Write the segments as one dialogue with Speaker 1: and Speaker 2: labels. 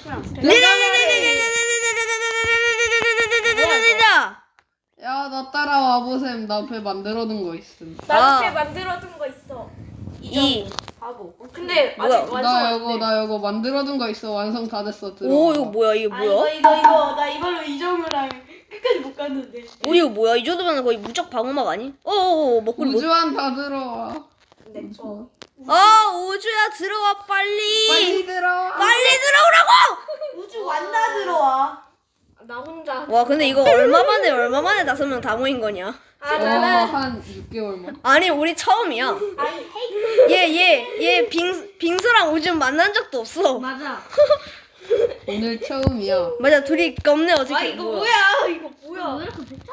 Speaker 1: 야, 나 따라와 보셈. 나 배 만들어둔 거 있음.
Speaker 2: 나도 배 만들어둔 거 있어.
Speaker 3: 하고.
Speaker 2: 근데
Speaker 4: 뭐야?
Speaker 2: 아직 완성 안 돼.
Speaker 1: 나 이거 만들어둔 거 있어. 완성 다 됐어. 들어.
Speaker 4: 오 이거 뭐야 이게 뭐야?
Speaker 3: 이거 나 이걸로 이정우랑 끝까지 못 갔는데.
Speaker 4: 오 이거 뭐야? 이 정도면 거의 무적 방어막 아니? 어어 먹구리 뭐?
Speaker 1: 우주한 다 들어와.
Speaker 2: 내 거.
Speaker 4: 아 우주야 들어와 빨리.
Speaker 1: 빨리 들어와.
Speaker 4: 빨리 들어오라고.
Speaker 3: 우주 완다 들어와.
Speaker 2: 나 혼자.
Speaker 4: 와 근데 이거 얼마 만에 5명 다 모인 거냐?
Speaker 2: 나는
Speaker 1: 한 6개월만.
Speaker 4: 아니 우리 처음이야. 얘 빙수랑 우주 만난 적도 없어.
Speaker 3: 맞아.
Speaker 1: 오늘 처음이야.
Speaker 4: 맞아 둘이 겁내 어떻게
Speaker 2: 이거 뭐야? 이거 뭐야?
Speaker 3: 왜 이렇게 배차?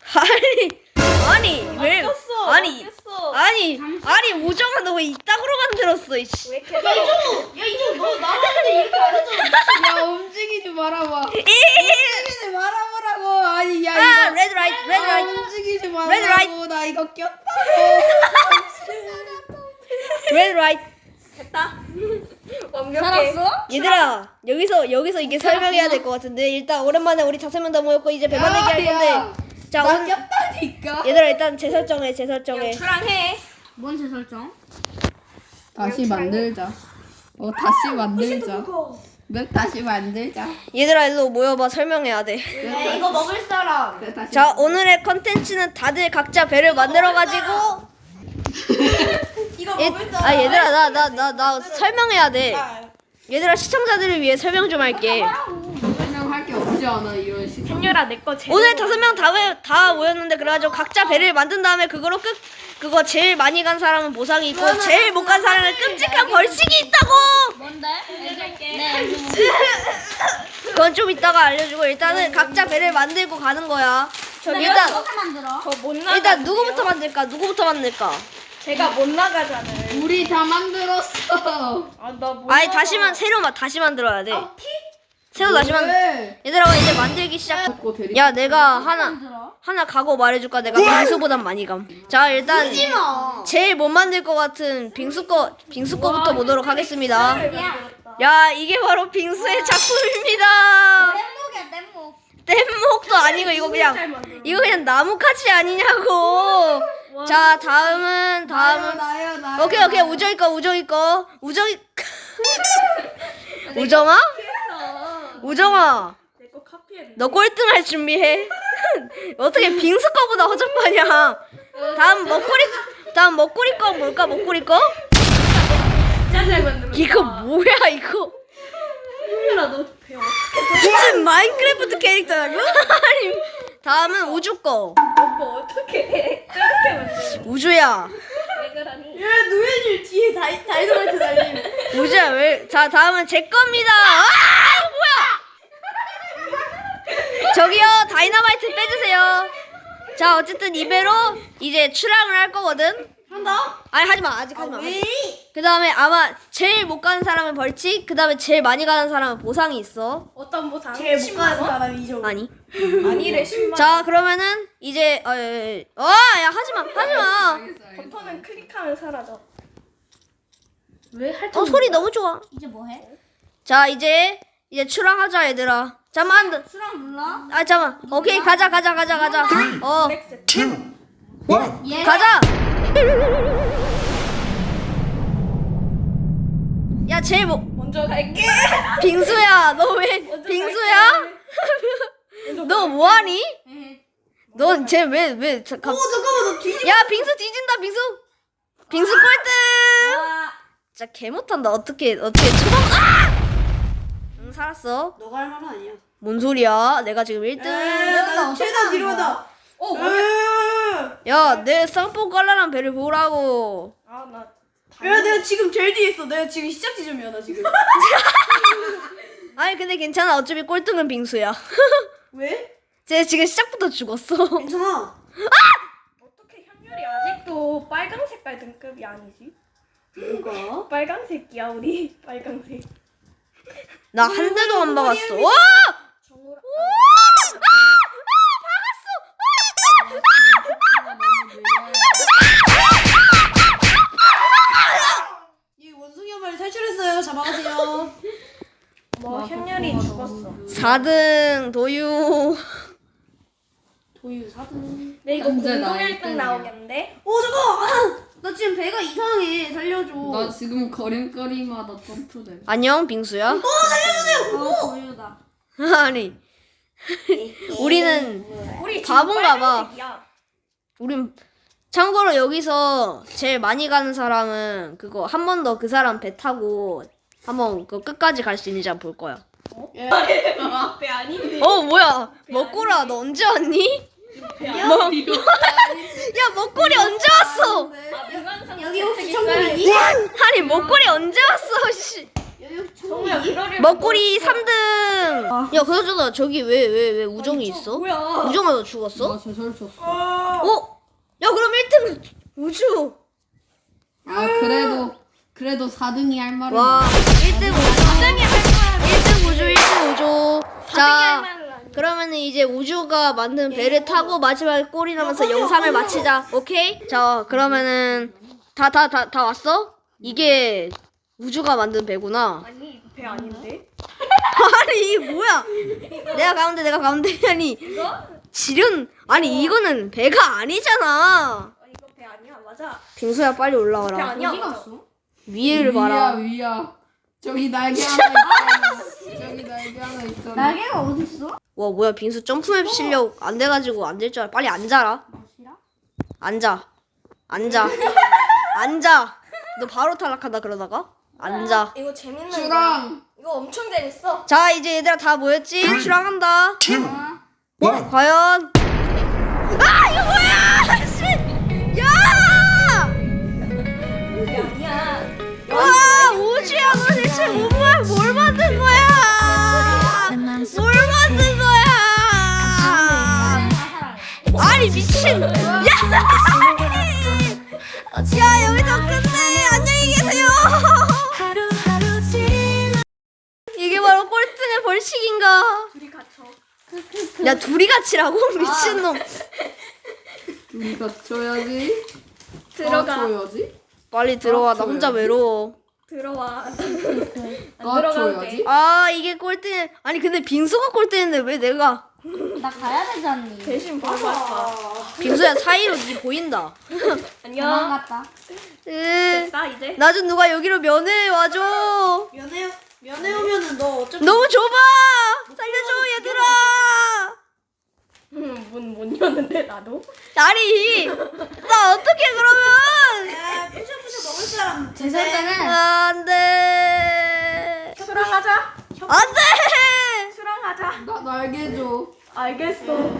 Speaker 4: 아니 왜
Speaker 2: 바뀌었어.
Speaker 4: 아니
Speaker 2: 바뀌었어.
Speaker 4: 아니 우정아 너 왜 이따구로 만들었어 이씨.
Speaker 2: 왜 이렇게
Speaker 3: 야 이정우 너 나한테 이렇게 안 했잖아.
Speaker 1: 야, 움직이지 말아봐. 움직이지 말아보라고. 아니, 야,
Speaker 4: 아
Speaker 1: 이거.
Speaker 4: 레드 라이트 레드 라이트
Speaker 1: 움직이지
Speaker 4: 레드
Speaker 1: 말라고.
Speaker 4: 라이트.
Speaker 1: 나 이거 꼈다고.
Speaker 4: 레드 라이트.
Speaker 2: 됐다. 완벽해.
Speaker 4: 얘들아 여기서 이게 설명해야 될 것 같은데 일단 오랜만에 우리 5명 다 모였고 이제 배 만들기 할 건데 자
Speaker 1: 나
Speaker 4: 오늘
Speaker 1: 꼈다니까.
Speaker 4: 얘들아 일단 재설정해 재설정해.
Speaker 2: 출항해.
Speaker 3: 뭔 재설정?
Speaker 1: 다시 만들자. 다시 만들자. 다시 만들자.
Speaker 4: 얘들아 일로 모여봐 설명해야 돼.
Speaker 3: 야 이거 먹을 사람.
Speaker 1: 그래, 다시
Speaker 4: 자 오늘의 컨텐츠는 다들 각자 배를 만들어가지고
Speaker 3: 이거 먹을 사람.
Speaker 4: 아 얘들아 나 설명해야 돼. 얘들아 시청자들을 위해 설명 좀 할게.
Speaker 1: 설명할 게 없지 않아, 이런 식.
Speaker 2: 현열아 내 거 제일.
Speaker 4: 오늘 5명 다 모였는데 그래가지고 각자 배를 만든 다음에 그거로 그거 제일 많이 간 사람은 보상이 있고 제일 못 간 사람은 끔찍한 벌칙이 있다고.
Speaker 3: 뭔데?
Speaker 4: 그건 좀 이따가 알려주고 일단은 각자 배를 만들고 가는 거야. 일단
Speaker 3: 만들어.
Speaker 2: 저못 나가.
Speaker 4: 일단 누구부터 만들까?
Speaker 2: 제가 못 나가잖아요.
Speaker 1: 우리 다 만들었어.
Speaker 2: 아나 못.
Speaker 4: 아니 다시 만들어야 돼. 새로 다시 얘들아 이제 만들기 시작. 야 내가 하나 각오 말해줄까? 내가 빙수보단 많이 감. 자 일단 제일 못 만들 것 같은 빙수 거부터 보도록 하겠습니다. 야 이게 바로 빙수의 작품입니다. 뗏목도 아니고 이거 그냥 나무카치 아니냐고. 자 다음은
Speaker 1: 나요.
Speaker 4: 오케이 우정이 거 우정아
Speaker 2: 내 거 카피해.
Speaker 4: 너 꼴등할 준비해. 어떻게 빙수 거보다 허접하냐. 다음 먹구리 거 뭘까? 먹구리 거?
Speaker 2: 짜잘 만들어.
Speaker 4: 이거 뭐야 이거?
Speaker 2: 현열아 너 배 어떻게
Speaker 4: 무슨 마인크래프트 캐릭터라고? 아니 다음은 우주 거.
Speaker 2: 뭐 어떻게 해? 저렇게 만들어.
Speaker 4: 우주야
Speaker 2: 왜 그러니?
Speaker 3: 야 노예줄 뒤에 다이너마이트 달림.
Speaker 4: 우주야 왜? 자 다음은 제 겁니다. 아 이거 뭐야? 저기요 다이너마이트 빼주세요. 자 어쨌든 이 배로 이제 출항을 할 거거든.
Speaker 3: 한다?
Speaker 4: 아니 하지마 아직 하지마.
Speaker 3: 왜?
Speaker 4: 그 다음에 아마 제일 못 가는 사람은 벌칙. 그 다음에 제일 많이 가는 사람은 보상이 있어.
Speaker 2: 어떤 보상?
Speaker 3: 제일 못 가는 사람이 이정우.
Speaker 4: 아니.
Speaker 2: 아니래 10만.
Speaker 4: 자 그러면은 이제 야 하지마.
Speaker 2: 버튼은 클릭하면 사라져. 왜 할?
Speaker 4: 소리 너무 좋아.
Speaker 3: 이제 뭐해?
Speaker 4: 자 이제 출항하자 얘들아. 잠만.
Speaker 3: 수랑 눌러?
Speaker 4: 아 잠만. 오케이 가자.
Speaker 3: 예.
Speaker 4: 가자. 야 제일
Speaker 2: 먼저 갈게.
Speaker 4: 빙수야 너 왜 빙수야? 너 뭐하니? 너 쟤 왜
Speaker 3: 잠깐만 너 뒤집어.
Speaker 4: 야 빙수 뒤진다 빙수 꼴등. 진짜 개 못한다. 어떻게 초반 응 살았어.
Speaker 3: 너가 할 말은 아니야.
Speaker 4: 뭔 소리야? 내가 지금 1등.
Speaker 3: 나 최다 뒤로 하다.
Speaker 4: 야 내 쌍뽕 깔라란 배를 보라고.
Speaker 2: 아나
Speaker 3: 야 내가 지금 제일 뒤에 있어. 내가 지금 시작 지점이야 나 지금.
Speaker 4: 아니 근데 괜찮아. 어차피 꼴등은 빙수야.
Speaker 3: 왜?
Speaker 4: 쟤 지금 시작부터 죽었어.
Speaker 3: 괜찮아.
Speaker 2: 어떻게 현열이 아직도 빨강 색깔 등급이 아니지?
Speaker 3: 뭐가?
Speaker 2: 빨강색이야 우리 빨강색.
Speaker 4: 나 한 대도 안 박았어. 와!
Speaker 2: 정우라.
Speaker 3: 이 원숭이 한 마리 탈출했어요. 잡아가세요.
Speaker 2: 뭐 현열이
Speaker 4: 4등 도유.
Speaker 3: 도유 4등.
Speaker 2: 내 이거
Speaker 1: 현재
Speaker 2: 공동
Speaker 1: 나
Speaker 2: 1등
Speaker 1: 1등이야.
Speaker 2: 나오겠는데?
Speaker 3: 잠깐. 나 지금 배가 이상해. 살려줘.
Speaker 1: 나 지금 걸음걸이마다 점프돼.
Speaker 4: 안녕 빙수야.
Speaker 3: 도유다.
Speaker 4: 아니 우리는
Speaker 2: 우리 지금
Speaker 4: 바본가 봐.
Speaker 2: 빨간색이야.
Speaker 4: 우린 참고로 여기서 제일 많이 가는 사람은 그거 한 번 더 그 사람 배 타고 한번 그 끝까지 갈 수 있는지 한번 볼 거야.
Speaker 2: 배 아닌데.
Speaker 4: 뭐야 먹구라 너 언제 왔니? 야 먹구리 언제 왔어?
Speaker 3: 여기 혹시 천국이니?
Speaker 4: 아니 먹구리 언제 왔어? 씨.
Speaker 3: 여기
Speaker 2: 정우야
Speaker 3: 천국이니?
Speaker 2: 그러려면
Speaker 4: 먹구리 3등. 야 그러잖아 저기 왜 우정이 있어?
Speaker 2: 뭐야?
Speaker 4: 우정아 너 죽었어?
Speaker 1: 나 제설 쳤어.
Speaker 4: 야 그럼 1등 우주.
Speaker 1: 아 그래도 4등이 할 말은.
Speaker 4: 와 1등 우주. 1등 우주 1등 우주. 자 그러면은 이제 우주가 만든 배를 타고 마지막에 꼴이 나면서 영상을 마치자. 오케이? 자 그러면은 다 왔어? 이게 우주가 만든 배구나.
Speaker 2: 아니 이거 배 아닌데?
Speaker 4: 아니 이게 뭐야? 내가 가운데 아니
Speaker 2: 이거?
Speaker 4: 지륜 아니 이거는 배가 아니잖아.
Speaker 2: 이거 배 아니야 맞아.
Speaker 4: 빙수야 빨리
Speaker 2: 배
Speaker 4: 올라와라.
Speaker 2: 아니야.
Speaker 3: 어디
Speaker 2: 맞아.
Speaker 3: 갔어?
Speaker 4: 위에를 봐라.
Speaker 1: 위야. 저기 날개 하나 있잖아. 저기 날개 하나 있잖아.
Speaker 3: 날개가 어디 있어?
Speaker 4: 와 뭐야 빙수 점프맵 실력 안 돼가지고 안 될 줄 알아. 빨리 앉아라. 앉아. 너 바로 탈락한다 그러다가 앉아.
Speaker 2: 이거 재밌는 거야.
Speaker 1: 주랑.
Speaker 2: 이거 엄청 재밌어.
Speaker 4: 자 이제 얘들아 다 모였지? 출항한다. 과연 이거 뭐야? 씨! 야!
Speaker 2: 배 아니야.
Speaker 4: 와 우주야 너 대체 뭘 만든 거야? 뭘 만든 거야? 아니 미친! 야 여기서 끝내 안녕히 계세요. 이게 바로 꼴등의 벌칙인가?
Speaker 2: 둘이 갇혀.
Speaker 4: 야 둘이 같이라고 미친놈.
Speaker 1: 우리 갖춰야지.
Speaker 2: 들어가.
Speaker 1: 갖춰야지.
Speaker 4: 빨리 들어와 나 혼자 외로워.
Speaker 2: 들어와. 안 들어가도 돼.
Speaker 1: 갖춰야지.
Speaker 4: 아 이게 꼴등. 아니 근데 빙수가 꼴등인데 왜 내가?
Speaker 3: 나 가야 되지 않니?
Speaker 2: 대신 보고 왔어.
Speaker 4: 빙수야 사이로 니 보인다.
Speaker 2: 안녕.
Speaker 3: 도망갔다.
Speaker 2: 됐다 이제.
Speaker 4: 나 좀 누가 여기로 면회 와줘.
Speaker 3: 면회 오면은 너 어차피
Speaker 4: 너무 좁아. 살려줘 얘들아.
Speaker 2: 못 여는데 나도.
Speaker 4: 아니 나 어떻게 그러면?
Speaker 3: 야, 푸셔푸셔 먹을 사람
Speaker 2: 제설자는
Speaker 4: 안돼.
Speaker 2: 수랑하자.
Speaker 4: 안돼.
Speaker 2: 수랑하자.
Speaker 1: 나 날개 줘.
Speaker 2: 알겠어.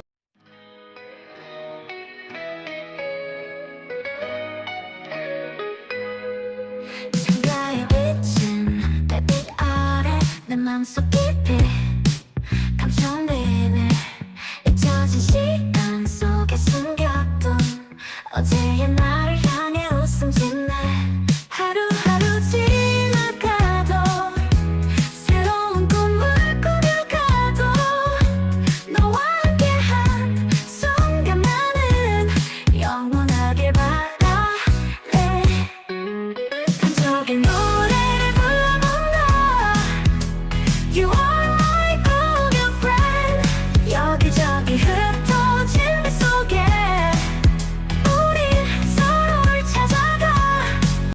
Speaker 5: 생각에 비친 별빛 아래 내 맘속 깊이